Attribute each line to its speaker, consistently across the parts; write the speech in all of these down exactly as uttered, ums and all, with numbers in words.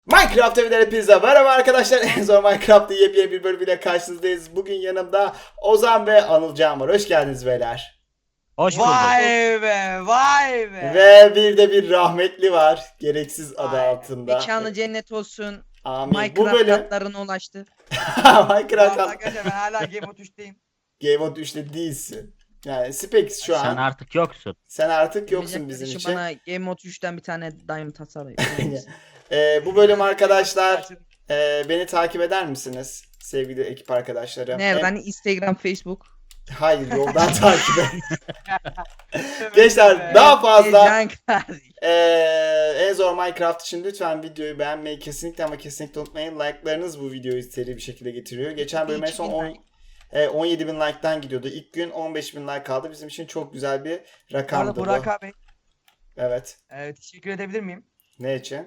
Speaker 1: Minecraft evlere pizza. Merhaba arkadaşlar. En zor Minecraft'ta yepyeni bir bölümüyle karşınızdayız. Bugün yanımda Ozan ve Anılcan var. Hoş geldiniz beyler.
Speaker 2: Hoş bulduk.
Speaker 3: Vay be, vay be.
Speaker 1: Ve bir de bir rahmetli var. Gereksiz adı
Speaker 3: Aynen.
Speaker 1: altında.
Speaker 4: Mekanı cennet olsun.
Speaker 1: Amin. Bu
Speaker 4: Minecraft
Speaker 1: bölüm
Speaker 4: katlarına ulaştı.
Speaker 1: Minecraft
Speaker 3: Arkadaşlar ben hala Game of üçteyim.
Speaker 1: Game of üçte değilsin. Yani Spex şu
Speaker 2: Sen
Speaker 1: an.
Speaker 2: artık yoksun.
Speaker 1: Sen artık yoksun
Speaker 4: Emrecan
Speaker 1: bizim
Speaker 4: kardeşim
Speaker 1: için.
Speaker 4: Bana Game Mode üçten bir tane Diamond tasarlayın.
Speaker 1: Ee, bu bölüm arkadaşlar e, beni takip eder misiniz? Sevgili ekip arkadaşlarım.
Speaker 4: Nereden? Instagram, Facebook.
Speaker 1: Hayır, yoldan takip et. Gençler daha fazla
Speaker 4: Can kardeş.
Speaker 1: Ee, en zor Minecraft için lütfen videoyu beğenmeyi kesinlikle ama kesinlikle unutmayın. Like'larınız bu videoyu seri bir şekilde getiriyor. Geçen bölüm en son
Speaker 4: iki bin
Speaker 1: on,
Speaker 4: like.
Speaker 1: e, on yedi bin like'tan gidiyordu. İlk gün on beş bin like kaldı. Bizim için çok güzel bir
Speaker 3: Bu arada
Speaker 1: rakamdı bu.
Speaker 3: Burak abi
Speaker 1: Evet.
Speaker 3: e, teşekkür edebilir miyim?
Speaker 1: Ne için?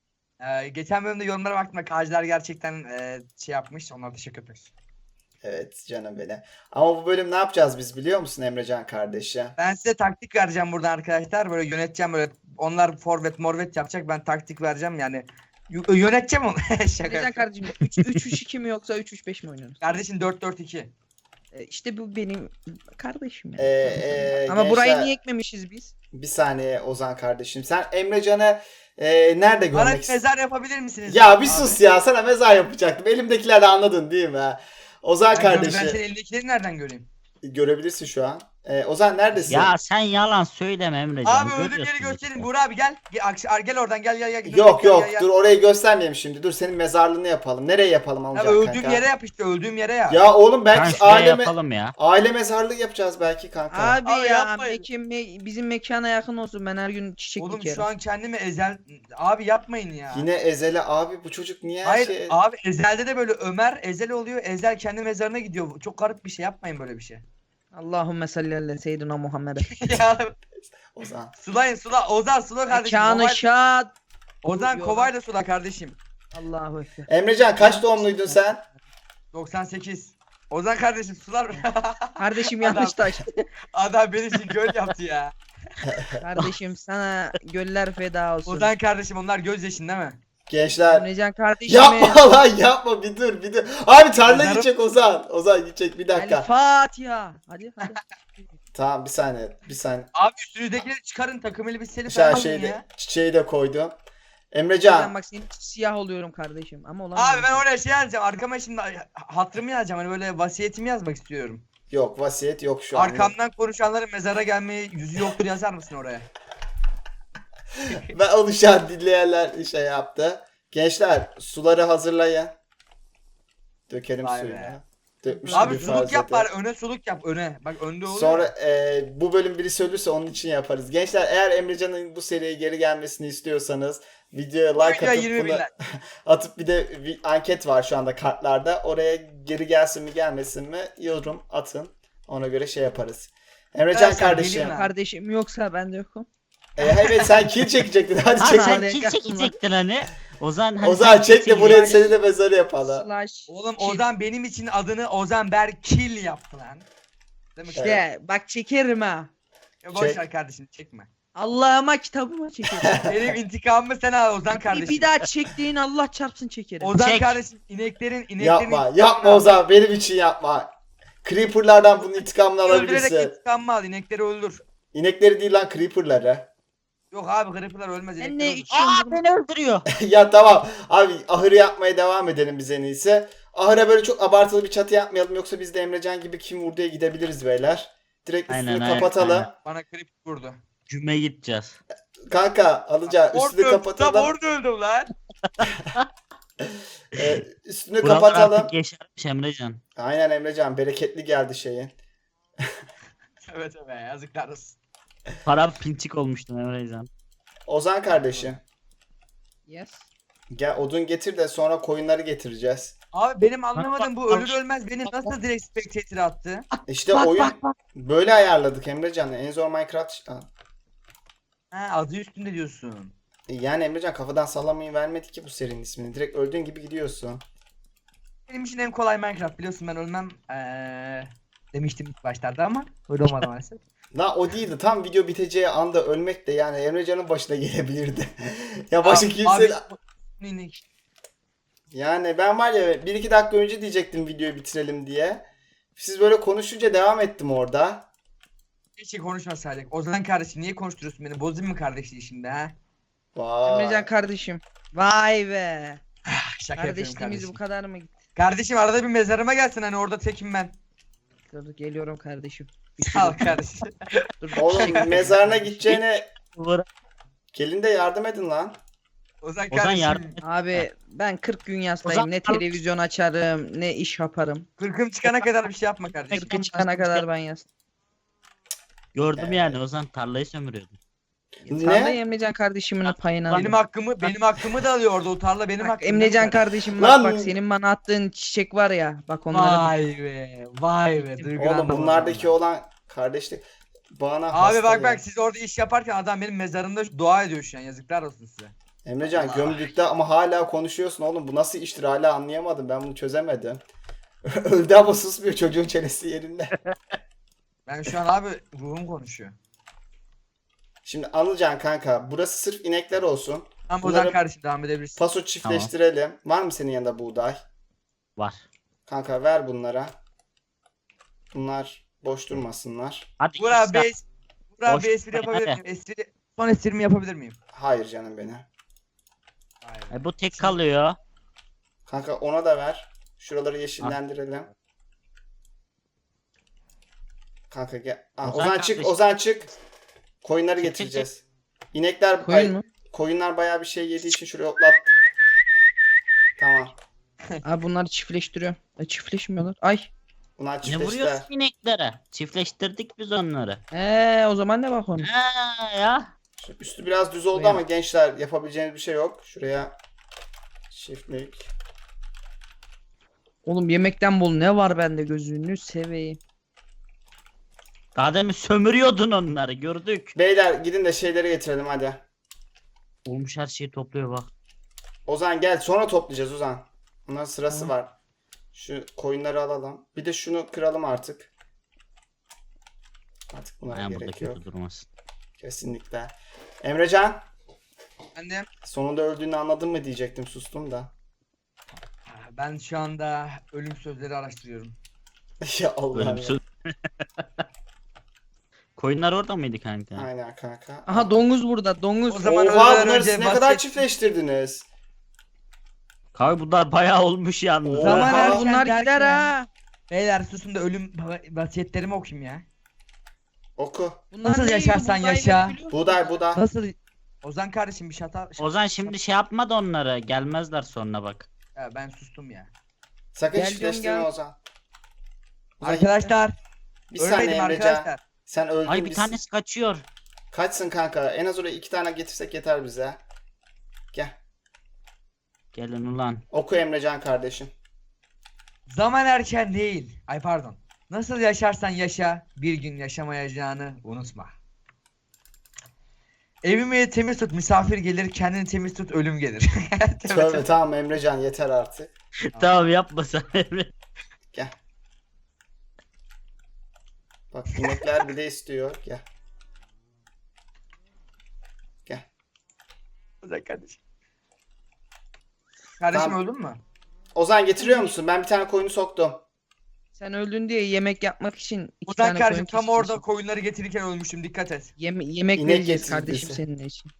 Speaker 3: E, geçen bölümde yorumlara baktım da Kajlar gerçekten e, şey yapmış. Onlara teşekkür ederiz.
Speaker 1: Evet canım beni. Ama bu bölüm ne yapacağız biz biliyor musun Emrecan kardeşi?
Speaker 3: Ben size taktik vereceğim buradan arkadaşlar. Böyle yöneteceğim böyle. Onlar forvet morvet yapacak. Ben taktik vereceğim yani. Y- yöneteceğim onu. Şaka
Speaker 4: Emrecan
Speaker 3: yapıyorum.
Speaker 4: kardeşim üç üç iki mi yoksa üç üç beş mi oynuyorsunuz?
Speaker 3: Kardeşim dört dört iki.
Speaker 4: E, İşte bu benim kardeşim yani.
Speaker 1: Ee, e,
Speaker 4: Ama
Speaker 1: gençler,
Speaker 4: burayı niye ekmemişiz biz?
Speaker 1: Bir saniye Ozan kardeşim. Sen Emrecan'ı e, nerede
Speaker 3: Bana
Speaker 1: görmek
Speaker 3: bir
Speaker 1: istiyorsun?
Speaker 3: mezar yapabilir misiniz?
Speaker 1: Ya bir
Speaker 3: abi?
Speaker 1: sus ya, sana mezar yapacaktım. Elimdekileri anladın değil mi? Ozan
Speaker 3: Ben,
Speaker 1: kardeşi.
Speaker 3: ben senin elindekileri nereden göreyim?
Speaker 1: Görebilirsin şu an. Ee, Ozan neredesin?
Speaker 2: Ya sen yalan söyleme Emrecan.
Speaker 3: Abi öldüğüm yeri
Speaker 2: Görüyorsun
Speaker 3: gösterin.
Speaker 2: işte.
Speaker 3: Buğra abi gel. Gel, Akş- gel oradan gel gel gel.
Speaker 1: Yok
Speaker 3: Gel,
Speaker 1: yok
Speaker 3: gel, gel.
Speaker 1: dur, orayı göstermeyelim şimdi. Dur, senin mezarlığını yapalım. Nereye yapalım
Speaker 3: Ya
Speaker 1: alacak
Speaker 3: öldüğüm
Speaker 1: kanka?
Speaker 3: yere yap işte öldüğüm yere ya.
Speaker 1: Ya oğlum
Speaker 2: Kan
Speaker 1: belki
Speaker 2: şuraya
Speaker 1: aile, me-
Speaker 2: yapalım ya.
Speaker 1: aile mezarlığı yapacağız belki kanka.
Speaker 4: Abi,
Speaker 3: Abi
Speaker 4: ya
Speaker 3: yapmayın.
Speaker 4: mekan, me- bizim mekana yakın olsun. Ben her gün çiçek
Speaker 3: Oğlum
Speaker 4: dikerim.
Speaker 3: şu an kendimi ezel... Abi yapmayın ya.
Speaker 1: Yine Ezel'e abi bu çocuk niye her
Speaker 3: Hayır
Speaker 1: şey...
Speaker 3: abi Ezel'de de böyle Ömer Ezel oluyor. Ezel kendi mezarına gidiyor. Çok garip bir şey, yapmayın böyle bir şey.
Speaker 4: Allahümme salli ala seyyidina Muhammed'e.
Speaker 3: ya
Speaker 1: Ozan.
Speaker 3: sulayın sula. Ozan sula kardeşim.
Speaker 4: Mekanı
Speaker 3: Kovay-
Speaker 4: şad.
Speaker 3: Ozan
Speaker 4: Yok.
Speaker 3: kovayla sula kardeşim.
Speaker 4: Allahu ekber.
Speaker 1: Emrecan kaç doğumluydun sen?
Speaker 3: doksan sekiz. Ozan kardeşim sular.
Speaker 4: Kardeşim yanlış taş.
Speaker 3: Adam beni için göl yaptı ya.
Speaker 4: Kardeşim sana göller feda olsun.
Speaker 3: Ozan kardeşim onlar gözyaşın değil mi?
Speaker 1: Gençler.
Speaker 4: Emrecan kardeşim.
Speaker 1: Yapma lan yapma, bir dur bir dur. Abi tarla
Speaker 3: Mezarım-
Speaker 1: gidecek Ozan. Ozan gidecek, bir
Speaker 4: El
Speaker 1: dakika.
Speaker 4: Fatiha. Hadi hadi.
Speaker 1: Tamam bir saniye bir saniye.
Speaker 3: Abi üstünüzdekileri çıkarın takım elbiseli
Speaker 1: Şey,
Speaker 3: falan alın
Speaker 1: şeyde,
Speaker 3: ya.
Speaker 1: çiçeği de koydum.
Speaker 4: Ben
Speaker 1: Emrecan.
Speaker 4: bak senin için siyah oluyorum kardeşim ama olan
Speaker 3: Abi ben oraya şey yazacağım. Arkama şimdi hatırımı yazacağım. Hani böyle vasiyetimi yazmak istiyorum.
Speaker 1: Yok, vasiyet yok şu an.
Speaker 3: Arkamdan konuşanların mezara gelmeye yüzü yoktur yazar mısın oraya?
Speaker 1: Ve oluşan dinleyenler şey yaptı. Gençler suları hazırlayın. Dökelim
Speaker 3: Vay
Speaker 1: suyunu.
Speaker 3: be.
Speaker 1: Dökmüş
Speaker 3: Abi
Speaker 1: gibi
Speaker 3: suluk
Speaker 1: farz
Speaker 3: yap
Speaker 1: edin.
Speaker 3: bari, öne suluk yap öne. Bak önde olur.
Speaker 1: Sonra e, bu bölüm birisi ölürse onun için yaparız. Gençler eğer Emrecan'ın bu seriye geri gelmesini istiyorsanız videoya like
Speaker 3: Videoya
Speaker 1: atıp
Speaker 3: yirmi bin
Speaker 1: bunu
Speaker 3: like.
Speaker 1: atıp bir de bir anket var şu anda kartlarda. Oraya geri gelsin mi gelmesin mi yorum atın. Ona göre şey yaparız. Emrecan
Speaker 3: Arkadaşlar,
Speaker 1: kardeşim.
Speaker 3: gelin lan.
Speaker 4: kardeşim yoksa ben de yokum.
Speaker 1: E, evet sen kill çekecektin. Hadi
Speaker 2: Ha,
Speaker 1: çek.
Speaker 2: sen
Speaker 4: Hadi.
Speaker 2: kim çekecektin hani? Ozan hani
Speaker 1: Ozan
Speaker 2: sen
Speaker 1: çek de
Speaker 2: çekecektin.
Speaker 1: buraya seni de mezarı yapalım.
Speaker 4: Slash.
Speaker 3: Oğlum
Speaker 4: kill.
Speaker 3: Ozan benim için adını Ozan Berkil yaptı lan. Değil mi?
Speaker 4: İşte bak çekerim ha.
Speaker 3: Ya boş
Speaker 1: Çek.
Speaker 3: ver kardeşim çekme.
Speaker 4: Allah'ıma kitabıma çekerim.
Speaker 3: Benim intikamımı sen al Ozan
Speaker 4: bir,
Speaker 3: kardeşim.
Speaker 4: bir daha çektiğin Allah çarpsın çekerim.
Speaker 3: Ozan
Speaker 2: Çek.
Speaker 3: kardeşim ineklerin ineklerin
Speaker 1: Yapma
Speaker 3: intikamını
Speaker 1: yapma
Speaker 3: al.
Speaker 1: Ozan, benim için yapma. Creeper'lardan bunun intikamını
Speaker 3: Öldürerek
Speaker 1: alabilirsin.
Speaker 3: intikamımı al, inekleri öldür.
Speaker 1: İnekleri değil lan, Creeper'ları.
Speaker 3: Yok abi Creeper'lar ölmez,
Speaker 4: Sen
Speaker 3: inekleri
Speaker 4: ne
Speaker 3: öldür.
Speaker 4: içiyorsun?
Speaker 2: Aa beni öldürüyor.
Speaker 1: Ya tamam abi, ahırı yapmaya devam edelim biz en iyisi. Ahıra böyle çok abartılı bir çatı yapmayalım, yoksa biz de Emrecan gibi kim vurduya gidebiliriz beyler. Direkt üstünü
Speaker 2: Aynen, aynen,
Speaker 1: kapatalım.
Speaker 2: aynen.
Speaker 3: Bana Creeper vurdu.
Speaker 2: Cüme gideceğiz.
Speaker 1: Kanka alacağız, üstünü
Speaker 3: Orada
Speaker 1: kapatalım.
Speaker 3: Tam orada öldüm lan.
Speaker 1: Ee, üstünü
Speaker 2: Buralar
Speaker 1: kapatalım.
Speaker 2: artık yeşermiş Emrecan.
Speaker 1: Aynen Emrecan, bereketli geldi şeyin.
Speaker 3: Evet evet yazıklar olsun.
Speaker 2: Para pinçik olmuştun Emrecan.
Speaker 1: Ozan kardeşim
Speaker 4: Yes.
Speaker 1: gel odun getir de sonra koyunları getireceğiz.
Speaker 3: Abi benim anlamadığım bu
Speaker 2: bak,
Speaker 3: ölür ölmez beni nasıl direkt spectator attı?
Speaker 1: İşte
Speaker 2: Bak,
Speaker 1: oyun
Speaker 2: bak, bak.
Speaker 1: böyle ayarladık Emrecan. En zor Minecraft. Ha.
Speaker 3: Ha adı üstünde diyorsun.
Speaker 1: Yani Emrecan kafadan sallamayı vermedi ki bu serinin ismini. Direkt öldüğün gibi gidiyorsun.
Speaker 3: Benim için en kolay Minecraft, biliyorsun ben ölmem ee, demiştim ilk başlarda ama öyle olmadı maalesef.
Speaker 1: La o değildi. Tam video biteceği anda ölmek de yani Emrecan'ın başına gelebilirdi. ya başı
Speaker 3: Abi-
Speaker 1: kimse...
Speaker 3: abi, inek.
Speaker 1: Yani ben var ya bir iki dakika önce diyecektim videoyu bitirelim diye. Siz böyle konuşunca devam ettim orada.
Speaker 3: Keşke konuşmasaydık. Ozan kardeşim niye konuşturuyorsun beni? Bozayım mı kardeşliği şimdi ha?
Speaker 1: Vay.
Speaker 4: Emrecan kardeşim. Vay be.
Speaker 3: Şaka yapıyorum
Speaker 4: Kardeşliğimiz
Speaker 3: kardeşim.
Speaker 4: bu kadar mı gitti?
Speaker 3: Kardeşim arada bir mezarıma gelsin hani orada tekim ben.
Speaker 4: Dur geliyorum kardeşim.
Speaker 3: Sağ ol kardeşim.
Speaker 4: Dur,
Speaker 1: Oğlum
Speaker 4: şey-
Speaker 1: mezarına gideceğine
Speaker 2: Vur.
Speaker 1: gelin de yardım edin lan.
Speaker 3: Ozan
Speaker 2: Ozan
Speaker 3: kardeşim.
Speaker 2: yardım.
Speaker 4: Abi ben kırk gün yastayım.
Speaker 2: Ozan-
Speaker 4: Ne televizyon açarım, ne iş yaparım.
Speaker 3: Kırkım çıkana kadar bir şey yapma kardeşim.
Speaker 4: kırkı çıkana kadar ben yastım.
Speaker 2: Gördüm
Speaker 1: Evet.
Speaker 2: yani Ozan tarlayı sömürüyordu.
Speaker 1: Ne?
Speaker 4: Sen de Emrecan kardeşimin payını al.
Speaker 3: Benim hakkımı benim hakkımı da alıyor orada o tarla benim
Speaker 4: Bak
Speaker 3: hakkım.
Speaker 4: Emrecan kardeşim bak
Speaker 1: Lan-
Speaker 4: bak senin bana attığın çiçek var ya. Bak onları
Speaker 3: Vay be. Vay be. duygulandım
Speaker 1: Oğlum bunlardaki
Speaker 3: vallahi.
Speaker 1: olan kardeşlik bana
Speaker 3: Abi
Speaker 1: hasta
Speaker 3: bak
Speaker 1: ya.
Speaker 3: bak siz orada iş yaparken adam benim mezarımda dua ediyor şu an. Yazıklar olsun size.
Speaker 1: Emrecan
Speaker 3: Allah.
Speaker 1: gömdükte ama hala konuşuyorsun oğlum. Bu nasıl iştir hala anlayamadım. Ben bunu çözemedim. Öldü ama susmuyor çocuğun çenesi yerinde.
Speaker 3: Ben şu an abi ruhum konuşuyor.
Speaker 1: Şimdi Anılcan kanka burası sırf inekler olsun.
Speaker 3: Tamam
Speaker 1: Bunları-
Speaker 3: Ozan kardeşim devam edebilirsin.
Speaker 1: Paso çiftleştirelim. Var mı senin yanında buğday?
Speaker 2: Var.
Speaker 1: Kanka ver bunlara. Bunlar boş durmasınlar.
Speaker 2: Hadi
Speaker 3: Burak
Speaker 2: git
Speaker 3: abi,
Speaker 2: sen.
Speaker 3: es- Burak abi
Speaker 2: Boş
Speaker 3: espri yapabilir
Speaker 2: hadi.
Speaker 3: miyim? Espri, son esprimi yapabilir miyim?
Speaker 1: Hayır canım beni.
Speaker 3: Vay be.
Speaker 2: E, bu tek kalıyor.
Speaker 1: Kanka ona da ver. Şuraları yeşillendirelim. Kanka gel. Aa,
Speaker 2: Ozan
Speaker 1: Ozan çık,
Speaker 2: kardeşim.
Speaker 1: Ozan çık. Koyunları
Speaker 2: Çık, çık,
Speaker 1: getireceğiz. İnekler
Speaker 4: Koyun
Speaker 1: ay,
Speaker 4: mu?
Speaker 1: koyunlar bayağı bir şey yediği için şuraya otlat. Tamam.
Speaker 4: Abi bunları çiftleştiriyor. E, çiftleşmiyorlar. Ay.
Speaker 1: Bunlar
Speaker 2: Ne
Speaker 1: çiftleştiler.
Speaker 2: vuruyorsun ineklere? Çiftleştirdik biz onları.
Speaker 4: Eee o zaman ne bak onu.
Speaker 2: Ha ya.
Speaker 1: Şu üstü biraz düz oldu
Speaker 4: Koyun.
Speaker 1: ama gençler yapabileceğiniz bir şey yok. Şuraya çiftlik.
Speaker 4: Oğlum yemekten bol ne var bende gözünü seveyim.
Speaker 2: Daha demin sömürüyordun onları gördük.
Speaker 1: Beyler gidin de şeyleri getirelim hadi.
Speaker 2: Olmuş her şeyi topluyor bak.
Speaker 1: Ozan gel sonra toplayacağız Ozan. Bunların sırası
Speaker 2: Tamam.
Speaker 1: var. Şu koyunları alalım. Bir de şunu kıralım artık. Artık buna
Speaker 2: Ayağım burada
Speaker 1: gerek
Speaker 2: kötü
Speaker 1: yok.
Speaker 2: durmasın.
Speaker 1: Kesinlikle. Emrecan
Speaker 3: Annem.
Speaker 1: sonunda öldüğünü anladın mı diyecektim sustum da.
Speaker 3: Ben şu anda ölüm sözleri araştırıyorum.
Speaker 1: Ya Allah ya.
Speaker 2: Ölümsüz. Koyunlar orada mıydı kanka?
Speaker 1: Aynen kanka.
Speaker 4: Aha domuz burada domuz.
Speaker 3: O zaman-
Speaker 1: Oha
Speaker 3: ölmeden
Speaker 1: bunları
Speaker 3: önce
Speaker 1: siz ne kadar
Speaker 3: bahset-
Speaker 1: çiftleştirdiniz?
Speaker 2: Kanka bunlar bayağı olmuş yalnız.
Speaker 1: Oha.
Speaker 4: Zaman
Speaker 1: Oha.
Speaker 4: er bunlar
Speaker 3: Derken-
Speaker 4: gider ha.
Speaker 3: Beyler susun da ölüm vasiyetlerimi okuyayım ya.
Speaker 1: Oku.
Speaker 4: Bunlar
Speaker 3: Nasıl
Speaker 4: ne yiyor?
Speaker 3: yaşarsan
Speaker 4: Buğday
Speaker 3: yaşa.
Speaker 4: verebiliyor musun?
Speaker 1: Buğday buğday.
Speaker 3: Nasıl? Ozan kardeşim bir şata...
Speaker 2: Ozan şimdi şey yapma da onlara. Gelmezler sonra bak.
Speaker 3: Ya ben sustum ya.
Speaker 1: Sakın
Speaker 4: Gel
Speaker 1: çiftleştirme
Speaker 4: diyorum, gel.
Speaker 1: Ozan. Ozan,
Speaker 3: Arkadaşlar.
Speaker 1: bir saniye
Speaker 3: Ölmedim
Speaker 1: Emrecan.
Speaker 3: arkadaşlar.
Speaker 1: Sen öldün.
Speaker 2: Ay bir
Speaker 1: biz-
Speaker 2: tanesi kaçıyor.
Speaker 1: Kaçsın kanka? En az oraya iki tane getirsek yeter bize. Gel.
Speaker 2: Gelin ulan.
Speaker 1: Oku Emrecan kardeşim.
Speaker 3: Zaman erken değil. Ay pardon. Nasıl yaşarsan yaşa, bir gün yaşamayacağını unutma. Evimi temiz tut, misafir gelir, kendini temiz tut, ölüm gelir. Tövbe
Speaker 1: Tövbe
Speaker 3: tövbe.
Speaker 1: tamam Emrecan yeter artık.
Speaker 2: Tamam yapma sen Emre.
Speaker 1: Gel. Bak inekler bile istiyor. Gel. Gel.
Speaker 3: Ozan kardeşim. Kardeşim
Speaker 1: Tamam.
Speaker 3: öldün mü?
Speaker 1: Ozan getiriyor musun? Ben bir tane koyunu soktum.
Speaker 4: Sen öldün diye yemek yapmak için iki
Speaker 3: Ozan
Speaker 4: tane
Speaker 3: kardeşim
Speaker 4: koyun
Speaker 3: tam orada
Speaker 4: kesiyorsun.
Speaker 3: koyunları getirirken ölmüştüm, dikkat et.
Speaker 4: Yeme- yemek
Speaker 1: İnek
Speaker 4: vereceğiz
Speaker 1: getirdiyse.
Speaker 4: kardeşim senin için.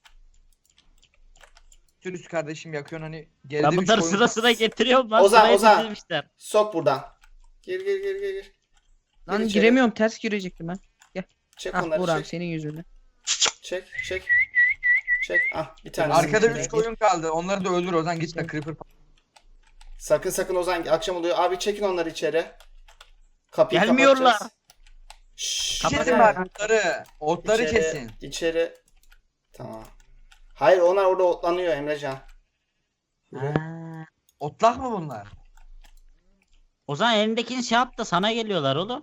Speaker 3: Sürüs kardeşim yakıyorsun hani
Speaker 2: Ben
Speaker 3: geride üç
Speaker 2: bunları
Speaker 3: koyun.
Speaker 2: sıra sıra getiriyorum lan.
Speaker 1: Ozan,
Speaker 2: Sıraya
Speaker 1: Ozan.
Speaker 2: dizilmişler.
Speaker 1: Sok buradan. Gir gir gir gir. gir.
Speaker 4: Lan
Speaker 1: Gir içeri.
Speaker 4: giremiyorum ters girecektim ben.
Speaker 1: Çek
Speaker 4: Ah
Speaker 1: onları
Speaker 4: Burak
Speaker 1: çek.
Speaker 4: senin yüzünden.
Speaker 1: Çek çek. Çek. Ah bir tane.
Speaker 3: Arkada üç koyun kaldı. Onları da öldür Ozan, gitme
Speaker 4: Sen-
Speaker 3: creeper.
Speaker 1: Sakın sakın Ozan akşam oluyor. Abi çekin onları içeri. Kapıyı
Speaker 2: Gelmiyorlar.
Speaker 1: kapatacağız. Şşş.
Speaker 2: Kapat
Speaker 3: Kesin
Speaker 2: abi.
Speaker 3: bak otları. Otları
Speaker 1: İçeri-
Speaker 3: kesin.
Speaker 1: İçeri. Tamam. Hayır onlar orada otlanıyor Emrecan. Yürü.
Speaker 2: Ha.
Speaker 3: Otlak mı bunlar?
Speaker 2: Ozan elindekini şey yap da sana geliyorlar oğlum.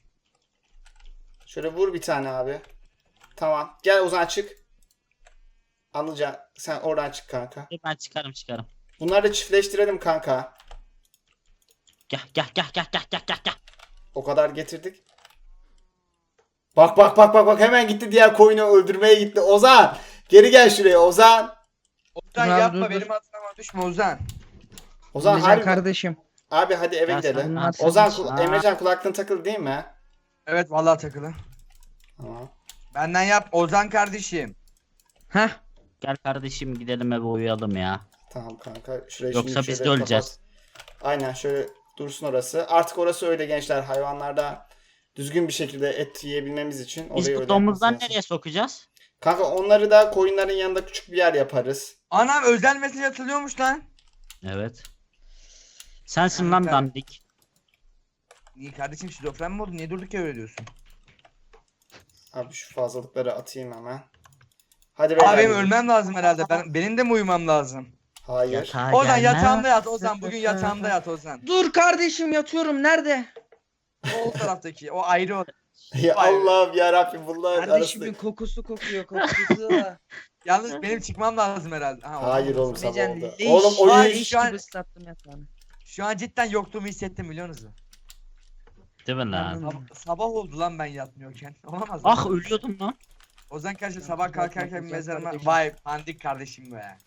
Speaker 1: Şöyle vur bir tane abi. Tamam. Gel Ozan çık. Anılcan sen oradan çık kanka.
Speaker 2: Dur ben çıkarım çıkarım.
Speaker 1: Bunları da çiftleştirelim kanka.
Speaker 2: Gel gel gel gel gel gel gel gel.
Speaker 1: O kadar getirdik. Bak bak bak bak bak hemen gitti diğer koyunu öldürmeye gitti. Ozan geri gel şuraya Ozan.
Speaker 3: Ozan
Speaker 4: Dur abi,
Speaker 3: yapma
Speaker 4: dur, dur.
Speaker 3: benim hatırıma düşme Ozan.
Speaker 1: Ozan
Speaker 4: Emrecan
Speaker 1: harbi,
Speaker 4: kardeşim.
Speaker 1: abi hadi eve
Speaker 2: Ya sen
Speaker 1: gidelim.
Speaker 2: ne
Speaker 4: Ozan,
Speaker 2: yapıyorsun?
Speaker 1: Ozan,
Speaker 2: Aa.
Speaker 1: kul- Emrecan kulaklığın takılı değil mi?
Speaker 3: Evet vallahi takılı.
Speaker 1: Tamam.
Speaker 3: Benden yap Ozan kardeşim.
Speaker 4: Heh.
Speaker 2: Gel kardeşim gidelim eve uyuyalım ya.
Speaker 1: Tamam kanka. Şurayı
Speaker 2: Yoksa
Speaker 1: şimdi
Speaker 2: biz
Speaker 1: şöyle
Speaker 2: de öleceğiz.
Speaker 1: kapat. Aynen şöyle dursun orası. Artık orası öyle gençler. Hayvanlarda düzgün bir şekilde et yiyebilmemiz için orayı
Speaker 2: Biz
Speaker 1: öyle
Speaker 2: bu
Speaker 1: yapması
Speaker 2: domuzdan
Speaker 1: lazım.
Speaker 2: nereye sokacağız?
Speaker 1: Kanka onları da koyunların yanında küçük bir yer yaparız.
Speaker 3: Anam özel mesaj atılıyormuş lan.
Speaker 2: Evet. Sensin lan
Speaker 3: Kanka.
Speaker 2: dandik.
Speaker 3: Niye kardeşim şizofren mi oldun? Niye durduk ya öyle diyorsun?
Speaker 1: Abi şu fazlalıkları atayım hemen. Hadi
Speaker 3: Abi
Speaker 1: beyler.
Speaker 3: benim ölmem lazım herhalde. Ben, benim de mi uyumam lazım?
Speaker 1: Hayır.
Speaker 2: Yatağa
Speaker 3: Ozan
Speaker 2: gelmez.
Speaker 3: yatağımda yat Ozan. Bugün yatağımda yat Ozan.
Speaker 4: Dur kardeşim yatıyorum. Nerede?
Speaker 3: O taraftaki. O ayrı o.
Speaker 1: Ya
Speaker 3: Vay be.
Speaker 1: Allah'ım yarabbim bunlar
Speaker 4: Kardeşimin
Speaker 1: arasında.
Speaker 4: kokusu kokuyor kokusu.
Speaker 3: Yalnız benim çıkmam lazım herhalde. Ha,
Speaker 1: Hayır oğlum sabah
Speaker 4: Emrecan
Speaker 1: oldu.
Speaker 4: leş.
Speaker 1: Oğlum
Speaker 3: Vay,
Speaker 1: oyun
Speaker 4: Leş
Speaker 3: şu an-
Speaker 4: gibi ıslattım yatağını.
Speaker 3: Şu an cidden yokluğumu hissettim biliyor musunuz?
Speaker 2: Değil mi lan?
Speaker 4: Anladım.
Speaker 3: Sab- sabah oldu lan ben yatmıyorken. Olamaz mı?
Speaker 2: Ah ölüyordum lan.
Speaker 3: Ozan kardeşim
Speaker 4: Ya,
Speaker 3: sabah
Speaker 4: güzel
Speaker 3: kalkarken bir
Speaker 4: güzel
Speaker 3: mezarıma.
Speaker 4: kardeşim.
Speaker 3: Vay pandik kardeşim be.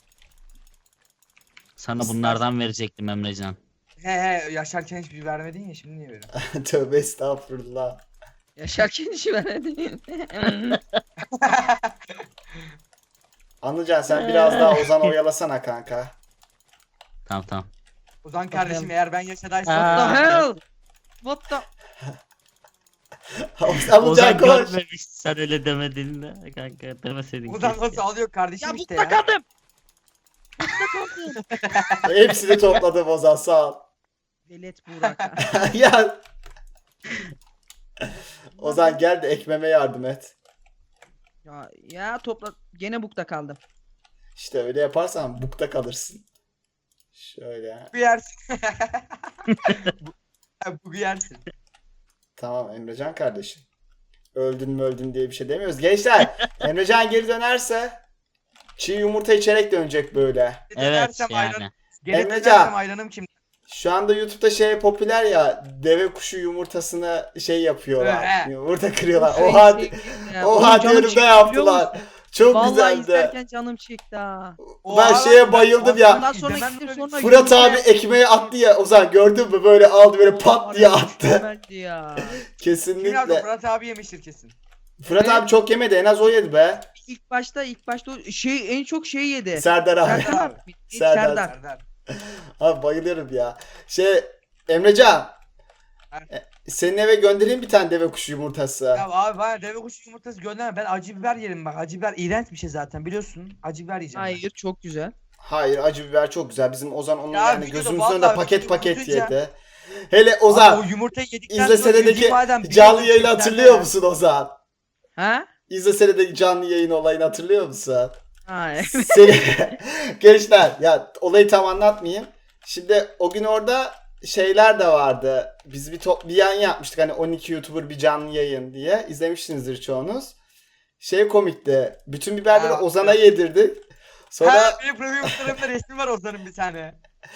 Speaker 2: Sana bunlardan verecektim Emrecan.
Speaker 3: He he yaşarken hiçbir şey vermedin ya şimdi niye böyle?
Speaker 1: tövbe estağfurullah.
Speaker 4: Yaşarken işi vermedi.
Speaker 1: Anlayacaksın sen biraz daha Ozan'ı oyalasana kanka.
Speaker 2: Tamam tamam.
Speaker 3: Ozan kardeşim
Speaker 4: Bakalım.
Speaker 3: eğer ben
Speaker 4: What
Speaker 3: yaşadaysam.
Speaker 4: the hell? What the?
Speaker 1: Ozan
Speaker 2: Ozan
Speaker 1: koş.
Speaker 2: görmemiş sen öyle demediğinde kanka demeseydin.
Speaker 3: Ozan
Speaker 2: keşke.
Speaker 3: nasıl alıyor kardeşim
Speaker 4: Ya
Speaker 3: işte
Speaker 4: bukta
Speaker 3: ya.
Speaker 4: kaldım. Bukta kaldım.
Speaker 1: Hepsini topladım Ozan sağ ol.
Speaker 4: Velet Burak'a.
Speaker 1: ya. Ozan gel de ekmeme yardım et.
Speaker 4: Ya, ya topla. Gene bukta kaldım.
Speaker 1: İşte öyle yaparsan bukta kalırsın. Şöyle.
Speaker 3: Bu yersin. Bu- Ha, Bu yersin.
Speaker 1: Tamam Emrecan kardeşim. Öldün mü öldün diye bir şey demiyoruz. Gençler Emrecan geri dönerse çiğ yumurta içerek dönecek böyle.
Speaker 2: Evet
Speaker 3: Dönersem
Speaker 2: yani.
Speaker 3: ayran- Geri
Speaker 1: Emrecan.
Speaker 3: dönersem ayranım kim?
Speaker 1: Şu anda YouTube'da şey popüler ya, deve kuşu yumurtasını şey yapıyorlar.
Speaker 3: He.
Speaker 1: Yumurta kırıyorlar.
Speaker 4: Şey,
Speaker 1: Oha,
Speaker 4: şey, ya,
Speaker 1: oha
Speaker 4: oğlum canım
Speaker 1: diyorum
Speaker 4: çekti
Speaker 1: ne
Speaker 4: biliyor
Speaker 1: yaptılar.
Speaker 4: musun?
Speaker 1: Çok
Speaker 4: Vallahi
Speaker 1: güzeldi.
Speaker 4: izlerken canım çekti ha.
Speaker 1: Ben
Speaker 3: Oha,
Speaker 1: şeye bayıldım
Speaker 3: ben-
Speaker 1: ya.
Speaker 4: Ondan sonra
Speaker 3: İzlemem
Speaker 4: gittim
Speaker 3: böyle-
Speaker 4: sonra
Speaker 1: Fırat
Speaker 4: yumurta
Speaker 1: abi
Speaker 4: yaptım.
Speaker 1: ekmeği attı ya. Ozan gördün mü böyle aldı böyle pat diye
Speaker 4: Var ya,
Speaker 1: attı.
Speaker 4: mükemmeldi ya.
Speaker 3: Kim yaptı?
Speaker 1: Kesinlikle.
Speaker 3: Fırat abi yemiştir kesin.
Speaker 1: Fırat
Speaker 4: Evet.
Speaker 1: abi çok yemedi, en az o yedi be.
Speaker 4: İlk başta ilk başta o şey en çok şey yedi.
Speaker 1: Serdar abi.
Speaker 4: Serdar abi.
Speaker 1: Serdar.
Speaker 4: Serdar.
Speaker 3: Serdar.
Speaker 1: Abi bayılıyorum ya. Şey Emrecan. e, Senin eve göndereyim bir tane deve kuşu yumurtası.
Speaker 3: Ya abi bana deve kuşu yumurtası gönderme. Ben acı biber yerim bak. Acı biber iğrenç bir şey zaten biliyorsun. Acı biber yiyeceğim. ben.
Speaker 4: Hayır çok güzel.
Speaker 1: Hayır acı biber çok güzel. Bizim Ozan onu
Speaker 3: Ya
Speaker 1: yani
Speaker 3: videoda
Speaker 1: gözümüzün
Speaker 3: vallahi
Speaker 1: önünde paket
Speaker 3: videoyu
Speaker 1: paket
Speaker 3: uzunca-
Speaker 1: yedi. Hele
Speaker 3: Abi
Speaker 1: Ozan
Speaker 3: o yumurtayı yedikten
Speaker 1: izle
Speaker 3: sonra
Speaker 1: senedeki
Speaker 3: yüzü badem bir
Speaker 1: canlı
Speaker 3: yıl
Speaker 1: yayını
Speaker 3: çekti
Speaker 1: hatırlıyor
Speaker 3: ya.
Speaker 1: musun Ozan?
Speaker 4: Ha?
Speaker 1: İzle senedeki canlı yayın olayını hatırlıyor musun?
Speaker 4: Ha. evet.
Speaker 1: Seni... Gençler ya olayı tam anlatmayayım. Şimdi o gün orada şeyler de vardı. Biz bir top bir yayın yapmıştık hani on iki YouTuber bir canlı yayın diye. İzlemişsinizdir çoğunuz. Şey komikti. Bütün biberleri
Speaker 3: Ha,
Speaker 1: Ozan'a
Speaker 3: evet.
Speaker 1: yedirdik. Sonra
Speaker 3: Ha benim profil fotoğrafımda resmi var Ozan'ın bir tane.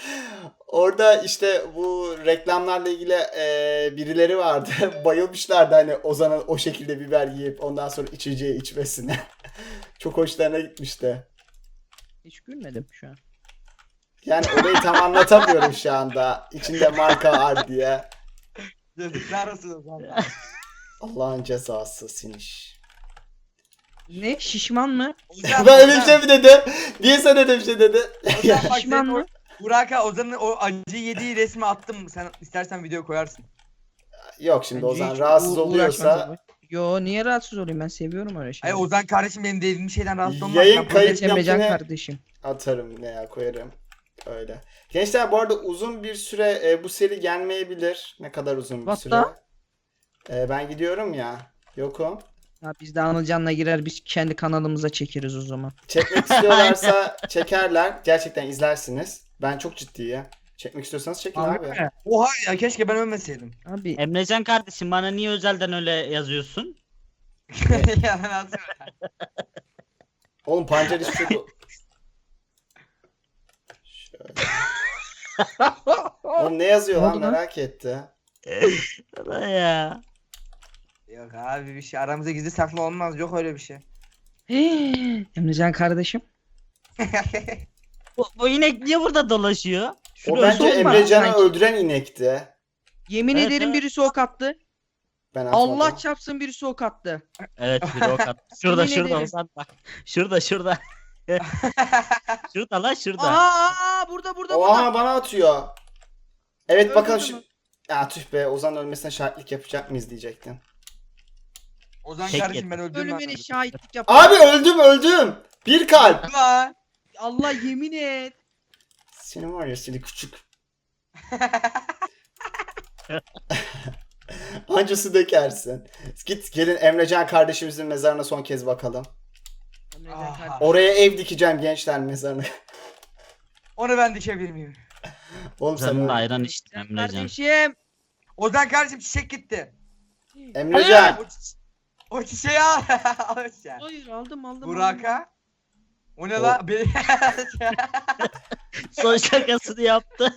Speaker 1: orada işte bu reklamlarla ilgili e, birileri vardı. Bayılmışlardı hani Ozan'ın o şekilde biber yiyip ondan sonra içeceği içmesine. Çok hoşlarına gitmişti.
Speaker 4: Hiç gülmedim şu an.
Speaker 1: Yani olayı tam anlatamıyorum şu anda. İçinde marka var diye.
Speaker 3: Yazıklar olsun Ozan.
Speaker 1: Allah'ın cezası siniş.
Speaker 4: Ne şişman mı?
Speaker 3: Ozan,
Speaker 1: Ben öyle bir
Speaker 3: Ozan,
Speaker 1: şey mi dedim? Niye sen öyle bir şey dedin?
Speaker 3: Ozan bak
Speaker 4: Şişman
Speaker 3: senin o
Speaker 4: mı?
Speaker 3: Burak'a Ozan'ın o acı yediği resmi attım. Sen istersen video koyarsın.
Speaker 1: Yok şimdi
Speaker 4: Bence
Speaker 1: Ozan
Speaker 4: hiç
Speaker 1: rahatsız
Speaker 4: u-
Speaker 1: oluyorsa
Speaker 4: uğraşmaz bu. Yo niye rahatsız olayım, ben seviyorum öyle
Speaker 3: Ay
Speaker 4: şeyleri.
Speaker 3: Ozan kardeşim benim dediğim şeyden rahatsız olmaz.
Speaker 1: Yayın
Speaker 3: Ben
Speaker 1: kayıt-
Speaker 4: Evet Emrecan
Speaker 1: yaptığını-
Speaker 4: kardeşim.
Speaker 1: atarım ne ya koyarım. Öyle. Gençler bu arada uzun bir süre e, bu seri gelmeyebilir. Ne kadar uzun bir
Speaker 4: What
Speaker 1: süre. E, ben gidiyorum ya. Yokum.
Speaker 4: Ha, biz de Anılcan'la girer biz kendi kanalımıza çekeriz o zaman.
Speaker 1: Çekmek istiyorlarsa çekerler. Gerçekten izlersiniz. Ben çok ciddiyim. Çekmek istiyorsanız çekin abi.
Speaker 3: Abi. Oha ya keşke ben ölmeseydim.
Speaker 4: Abi
Speaker 2: Emrecan kardeşim bana niye özelden öyle yazıyorsun?
Speaker 3: ya nasıl?
Speaker 1: Oğlum pancar hiçbir şey... Şöyle. Oğlum ne yazıyor
Speaker 4: Ne
Speaker 1: lan
Speaker 4: oldu lan?
Speaker 1: merak etti.
Speaker 2: ya.
Speaker 3: Yok abi bir şey aramızda gizli saklı olmaz yok öyle bir şey.
Speaker 4: Emrecan kardeşim.
Speaker 2: Bu, bu inek niye burada dolaşıyor? Şunu
Speaker 1: O bence
Speaker 2: öldür-
Speaker 4: olma
Speaker 1: Emrecan'ı
Speaker 4: sanki.
Speaker 1: öldüren inekti.
Speaker 4: Yemin
Speaker 2: Evet,
Speaker 4: ederim
Speaker 2: evet.
Speaker 4: birisi ok attı.
Speaker 1: Ben atmadım.
Speaker 4: Allah çarpsın birisi ok attı.
Speaker 2: Evet bir ok attı. Şurada
Speaker 4: Yemin
Speaker 2: şurada
Speaker 4: ederim.
Speaker 2: Ozan bak. Şurada şurada. Şurada lan şurada.
Speaker 4: Aha, aha burada burada burada.
Speaker 1: Oha bana atıyor. Evet
Speaker 4: Öldürdü
Speaker 1: bakalım
Speaker 4: mü?
Speaker 1: şu... Ya tüh be Ozan ölmesine şahitlik yapacak mıyız diyecektim.
Speaker 3: Ozan
Speaker 2: Tek
Speaker 3: kardeşim ben öldüm
Speaker 4: Ölümüne
Speaker 3: ben.
Speaker 4: şahitlik yap.
Speaker 1: Abi öldüm öldüm. Bir kalp.
Speaker 3: Lan.
Speaker 4: Allah yemin et.
Speaker 1: Senin var ya seni küçük. Ancası dökersin. Git gelin Emrecan kardeşimizin mezarına son kez bakalım.
Speaker 4: Emrecan
Speaker 3: Aha.
Speaker 4: kardeşim.
Speaker 1: Oraya ev dikeceğim gençler mezarına.
Speaker 3: Onu ben dikebilir miyim?
Speaker 1: Oğlum sen
Speaker 2: Canın da
Speaker 1: öl-
Speaker 2: ayran içtin Emrecan.
Speaker 4: Kardeşim.
Speaker 3: Ozan kardeşim çiçek gitti.
Speaker 1: Emrecan.
Speaker 3: O, çi- o çiçeği al. Al sen.
Speaker 4: Hayır aldım aldım. aldım.
Speaker 3: Burak'a. O ne
Speaker 1: O-
Speaker 3: lan? Be-
Speaker 2: Son şakasını yaptı.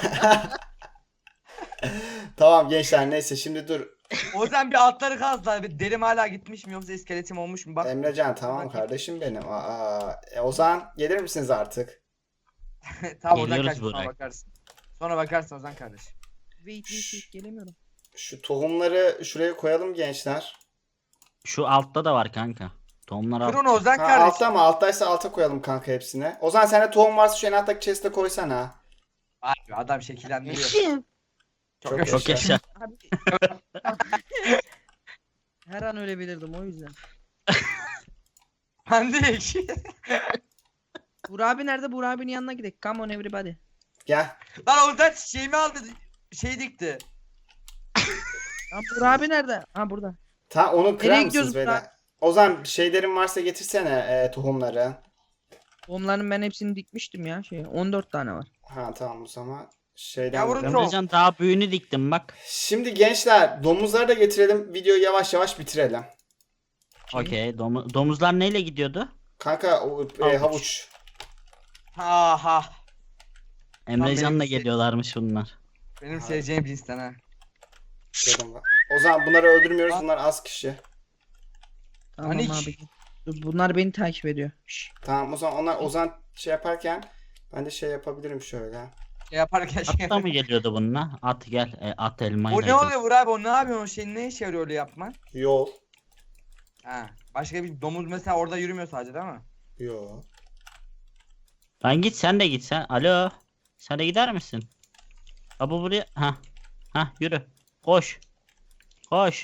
Speaker 1: Tamam gençler neyse şimdi dur.
Speaker 3: Ozan bir altları kazdılar. Bir derim hala gitmiş mi yoksa iskeletim olmuş mu? Bak.
Speaker 1: Emrecan tamam kardeşim benim. Aa, e, Ozan gelir misiniz artık?
Speaker 3: Tamam Ozan
Speaker 2: Geliyoruz
Speaker 3: kardeşim sonra
Speaker 2: Burak.
Speaker 3: bakarsın. Sonra bakarsın Ozan kardeş.
Speaker 4: Wait wait wait gelemiyorum.
Speaker 1: Şu tohumları şuraya koyalım gençler.
Speaker 2: Şu altta da var kanka. Tohumlar
Speaker 3: Kır
Speaker 2: alt.
Speaker 3: onu Ozan
Speaker 1: Ha,
Speaker 3: kardeş.
Speaker 1: altta mı? Alttaysa alta koyalım kanka hepsine. Ozan sende tohum varsa şu en alttaki chest'e koysana.
Speaker 3: Abi adam şekillendiriyor.
Speaker 4: Eşim.
Speaker 1: Çok
Speaker 3: Çok
Speaker 2: Çok yaşa.
Speaker 4: Abi. Her an ölebilirdim o yüzden.
Speaker 3: Pendik.
Speaker 4: Burak abi nerede? Burak abinin yanına gidelim. Come on everybody.
Speaker 1: Gel.
Speaker 3: Lan Ozan çiçeğimi aldı. Şey dikti.
Speaker 4: Lan Burak abi nerede? Ha burada.
Speaker 1: Ta onu kırar
Speaker 4: Nereye
Speaker 1: mısınız
Speaker 4: gidiyoruz
Speaker 1: beyler?
Speaker 4: Burak?
Speaker 1: Ozan şeylerin varsa getirsene e, tohumları.
Speaker 4: Onların ben hepsini dikmiştim ya şey. on dört tane var.
Speaker 1: Ha tamam o zaman. Şeyden
Speaker 3: Yavrum,
Speaker 1: bakalım.
Speaker 2: Emrecan daha büyüğünü diktim bak.
Speaker 1: Şimdi gençler domuzları da getirelim. Videoyu yavaş yavaş bitirelim.
Speaker 2: Okey. Domu- domuzlar neyle gidiyordu?
Speaker 1: Kanka o, e,
Speaker 2: Havuç.
Speaker 1: havuç.
Speaker 3: Aha.
Speaker 2: Emrecan'la
Speaker 3: benim-
Speaker 2: geliyorlarmış bunlar.
Speaker 3: Benim
Speaker 1: Abi.
Speaker 3: seveceğim cinsten ha.
Speaker 1: Dedim bak. O zaman bunları öldürmüyoruz.
Speaker 3: Ha.
Speaker 1: Bunlar az kişi.
Speaker 4: Tamam
Speaker 3: Panik.
Speaker 4: abi. Dur, bunlar beni takip ediyor. Şşş.
Speaker 1: Tamam o zaman onlar Ozan şey yaparken ben de şey yapabilirim şöyle.
Speaker 3: Şey yaparken şey
Speaker 2: Atta mı geliyordu bununla? At gel. E, at elmayla.
Speaker 3: O ne oluyor Burak abi? O ne yapıyor? O şey ne işe yarıyor öyle yapman?
Speaker 1: Yol.
Speaker 3: Ha. Başka bir domuz mesela orada yürümüyor sadece değil mi?
Speaker 1: Yo.
Speaker 2: Lan git sen de git sen. Alo. Sen de gider misin? Ha bu buraya. Ha. Ha yürü. Koş. Koş.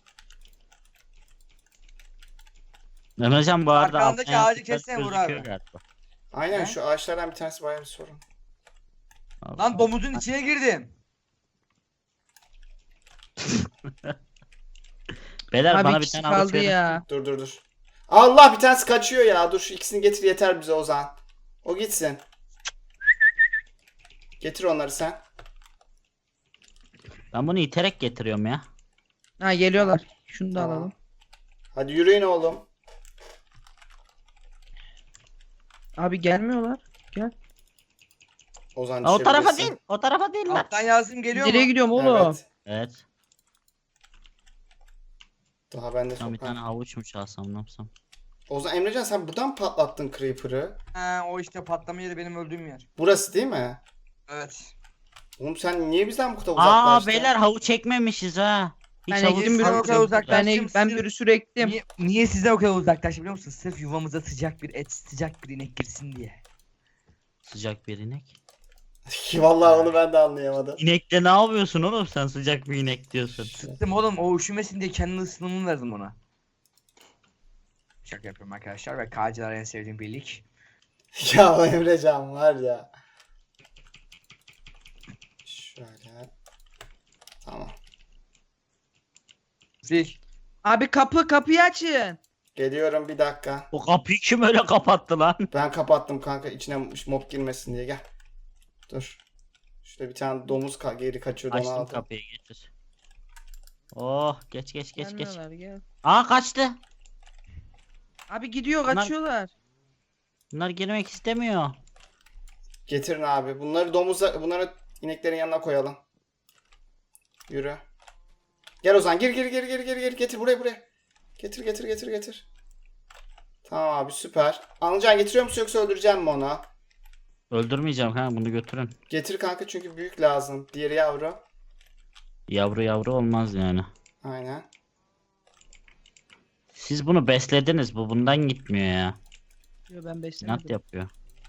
Speaker 2: Emrecan bu arada
Speaker 3: Arkandaki
Speaker 2: alttan
Speaker 3: ağacı
Speaker 2: yaptıkları
Speaker 3: kessene Burak
Speaker 2: gözüküyor
Speaker 3: abi.
Speaker 2: galiba.
Speaker 1: Aynen
Speaker 3: Ne?
Speaker 1: şu ağaçlardan bir tanesi bayağı bir sorun.
Speaker 3: Lan domuzun içine girdim.
Speaker 2: Beyler
Speaker 4: Abi
Speaker 2: bana bir
Speaker 4: kişi
Speaker 2: tane alıp
Speaker 4: kaldı
Speaker 2: verin.
Speaker 4: ya.
Speaker 1: Dur dur dur. Allah bir tanesi kaçıyor ya. Dur şu ikisini getir yeter bize Ozan. O gitsin. Getir onları sen.
Speaker 2: Ben bunu iterek getiriyorum ya.
Speaker 4: Ha geliyorlar. Şunu da
Speaker 1: Tamam.
Speaker 4: alalım.
Speaker 1: Hadi yürüyün oğlum.
Speaker 4: Abi gelmiyorlar. Gel.
Speaker 1: Ozan
Speaker 2: Aa, o tarafa
Speaker 1: düşebilirsin.
Speaker 2: değil. O tarafa değil lan.
Speaker 3: Alttan yazdım geliyor
Speaker 4: Nereye
Speaker 3: mu?
Speaker 4: gidiyorum oğlum?
Speaker 1: Evet.
Speaker 2: Evet.
Speaker 1: Daha ben de
Speaker 2: Tam bir tane
Speaker 1: sokağım.
Speaker 2: havuç mu çalsam ne yapsam?
Speaker 1: Ozan Emrecan sen buradan mı patlattın Creeper'ı?
Speaker 3: Ha, o işte patlama yeri benim öldüğüm yer.
Speaker 1: Burası değil mi?
Speaker 3: Evet.
Speaker 1: Oğlum sen niye bizden bu kadar
Speaker 2: Aa
Speaker 1: uzaklaştın?
Speaker 2: beyler havuç ekmemişiz ha. Hiç
Speaker 4: Ben
Speaker 2: havuç
Speaker 4: ektim bir
Speaker 3: Sen o
Speaker 2: yok.
Speaker 3: kadar uzak-
Speaker 4: Ben,
Speaker 3: Uzaklaştım,
Speaker 4: ben
Speaker 3: sizin-
Speaker 4: bir sürü ektim.
Speaker 3: Niye, niye size o kadar uzaklaştı biliyor musun? Sırf yuvamıza sıcak bir et, sıcak bir inek girsin diye.
Speaker 2: Sıcak bir inek.
Speaker 1: Vallahi onu ben de anlayamadım.
Speaker 2: İnekte ne yapıyorsun oğlum sen sıcak bir inek diyorsun.
Speaker 3: Sıktım oğlum o üşümesin diye kendi ısınımını verdim ona. Şaka yapıyorum arkadaşlar ve K'cılar en sevdiğim birlik.
Speaker 1: Ya o Emrecan var ya. Şöyle. Tamam.
Speaker 3: Fil.
Speaker 4: Abi kapı kapıyı açın.
Speaker 1: Geliyorum bir dakika.
Speaker 2: O kapıyı kim öyle kapattı lan?
Speaker 1: Ben kapattım kanka içine mob girmesin diye gel. Dur. Şurada bir tane domuz ka geri kaçıyordu onu
Speaker 2: Açtım
Speaker 1: aldım.
Speaker 2: kapıyı getir. Oh geç geç geç geç.
Speaker 4: Gelmiyorlar, gel.
Speaker 2: Aa kaçtı.
Speaker 4: Abi gidiyor
Speaker 2: Bunlar-
Speaker 4: kaçıyorlar.
Speaker 2: Bunlar girmek istemiyor.
Speaker 1: Getirin abi. Bunları domuza, bunları ineklerin yanına koyalım. Yürü. Gel Ozan gir gir gir gir gir gir getir buraya buraya. Getir getir getir getir. Tamam abi süper. Anılcan getiriyor musun yoksa öldüreceğim mi onu?
Speaker 2: Öldürmeyeceğim kanka, bunu götürün.
Speaker 1: Getir kanka çünkü büyük lazım. Diğeri yavru.
Speaker 2: Yavru yavru olmaz yani.
Speaker 1: Aynen.
Speaker 2: Siz bunu beslediniz, bu bundan gitmiyor ya.
Speaker 4: Yo, ben
Speaker 2: İnat
Speaker 4: beslemedim.
Speaker 2: yapıyor.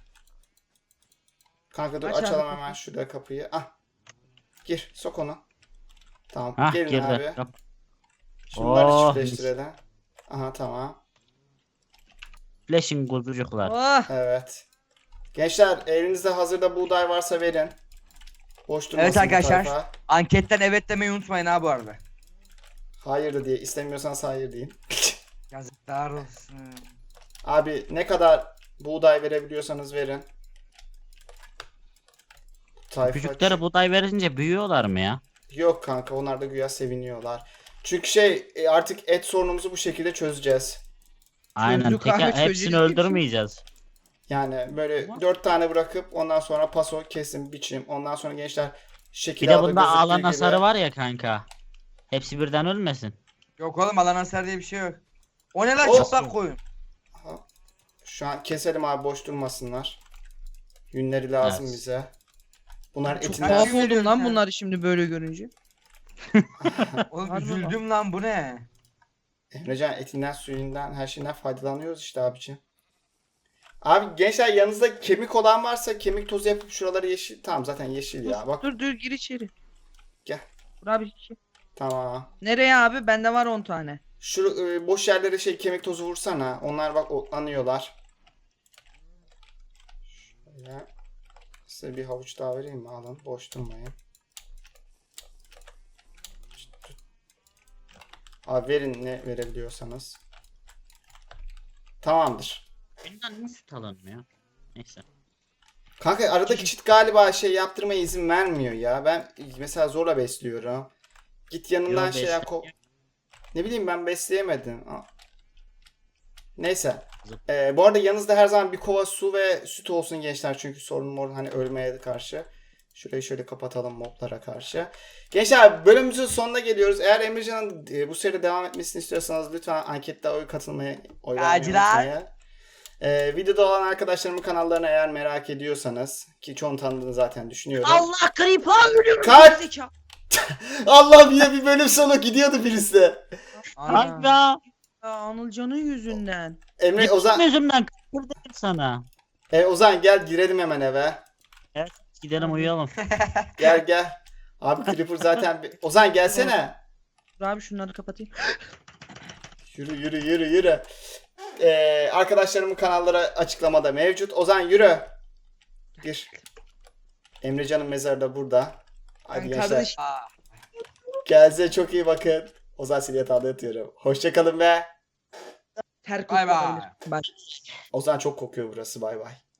Speaker 1: Kanka dur
Speaker 4: Aç abi
Speaker 1: açalım
Speaker 4: kapıyı.
Speaker 1: hemen şurada kapıyı. Ah. Gir sok onu. Tamam
Speaker 2: Hah
Speaker 1: gelin
Speaker 2: girdi.
Speaker 1: abi.
Speaker 2: Kap-
Speaker 1: Şunları
Speaker 2: Oh,
Speaker 1: çiftleştirelim. Aha tamam.
Speaker 2: Flashing kuzucuklar.
Speaker 4: Oh!
Speaker 1: Evet. Gençler elinizde hazırda buğday varsa verin. Boş durmasın
Speaker 3: Evet
Speaker 1: bu
Speaker 3: arkadaşlar.
Speaker 1: tayfa.
Speaker 3: Anketten evet demeyi unutmayın ha bu arada.
Speaker 1: Hayır da diye istemiyorsanız hayır deyin.
Speaker 3: Yazıklar olsun.
Speaker 1: Abi ne kadar buğday verebiliyorsanız verin. Tayfa...
Speaker 2: Küçüklere buğday verince büyüyorlar mı ya?
Speaker 1: Yok kanka onlar da güya seviniyorlar. Çünkü şey e, artık et sorunumuzu bu şekilde çözeceğiz.
Speaker 2: Aynen.
Speaker 4: Çözdük
Speaker 2: Tek,
Speaker 4: abi,
Speaker 2: hepsini
Speaker 4: çözeceğiz.
Speaker 2: öldürmeyeceğiz.
Speaker 1: Yani böyle dört tane bırakıp ondan sonra paso kesim biçim. Ondan sonra gençler şekil
Speaker 2: Bir de
Speaker 1: aldı
Speaker 2: bunda
Speaker 1: gözüktüğü
Speaker 2: alan
Speaker 1: gibi.
Speaker 2: hasarı var ya kanka. Hepsi birden ölmesin.
Speaker 3: Yok oğlum alan hasar diye bir şey yok. O ne lan
Speaker 1: Olsun.
Speaker 3: çıplak koyun.
Speaker 1: Aha. Şu an keselim abi boş durmasınlar. Yünleri lazım
Speaker 2: Evet.
Speaker 1: bize. Bunlar
Speaker 4: Çok
Speaker 1: etinden...
Speaker 4: tuhaf
Speaker 3: Kaçıyor
Speaker 4: oldum
Speaker 3: diyorsun
Speaker 4: lan
Speaker 3: sen.
Speaker 4: bunları şimdi böyle görünce.
Speaker 3: Oğlum
Speaker 4: Harbi
Speaker 3: üzüldüm lan bu ne?
Speaker 1: Emrecan etinden suyundan her şeyden faydalanıyoruz işte abiciğim. Abi gençler yanınızda kemik olan varsa kemik tozu yapıp şuraları yeşil. Tamam zaten yeşil ya bak.
Speaker 4: Dur dur gir içeri.
Speaker 1: Gel.
Speaker 4: Dur abi. içeri.
Speaker 1: Tamam.
Speaker 4: Nereye abi? Bende var on tane.
Speaker 1: Şu e, boş yerlere şey kemik tozu vursana. Onlar bak otlanıyorlar. Şöyle. Size bir havuç daha vereyim mi? Alın. Boş durmayın. Abi verin ne verebiliyorsanız. Tamamdır.
Speaker 2: Bundan niye süt alınmıyor? Neyse.
Speaker 1: Kanka aradaki çit galiba şey yaptırmaya izin vermiyor ya. Ben mesela zorla besliyorum. Git yanından
Speaker 2: Yo,
Speaker 1: şey yap. ko- Ne bileyim ben besleyemedim. Aa. Neyse. Ee, bu arada yanınızda her zaman bir kova su ve süt olsun gençler. Çünkü sorunum orada hani ölmeye karşı. Şurayı şöyle kapatalım moblara karşı. Gençler bölümümüzün sonuna geliyoruz. Eğer Emrecan'ın e, bu seride devam etmesini istiyorsanız lütfen ankette oy katılmayı, oy vermeyi
Speaker 3: Aciler.
Speaker 1: unutmayın. Ee, videoda olan arkadaşlarımın kanallarını eğer merak ediyorsanız ki çoğunu tanıdığını zaten düşünüyorum.
Speaker 4: Allah creeper ölüyorum.
Speaker 1: Kaç!
Speaker 4: Zeka.
Speaker 1: Allah bir bir bölüm sonu gidiyordu birisi.
Speaker 3: Ana.
Speaker 2: Kanka.
Speaker 4: Ya, Anılcan'ın yüzünden.
Speaker 1: Emre
Speaker 2: Gittim
Speaker 1: Ozan,
Speaker 2: yüzümden kıpır dedim sana.
Speaker 1: e, Ozan gel girelim hemen eve.
Speaker 2: Gidelim uyuyalım.
Speaker 1: Gel gel. Abi Creeper zaten bir... Ozan gelsene.
Speaker 4: Dur abi şunları kapatayım.
Speaker 1: Yürü yürü yürü yürü. Ee, arkadaşlarımın kanalları açıklamada mevcut. Ozan yürü. Gir. Emrecan'ın mezarı da burada. Hadi
Speaker 4: Ben
Speaker 1: gençler.
Speaker 4: kardeş-
Speaker 3: Aa.
Speaker 1: Kendinize çok iyi bakın. Ozan seni yatağında yatıyorum. Hoşçakalın be.
Speaker 4: Ter
Speaker 3: Bay bay.
Speaker 4: koklayabilir. Bye.
Speaker 1: Ozan çok kokuyor burası. Bay bay.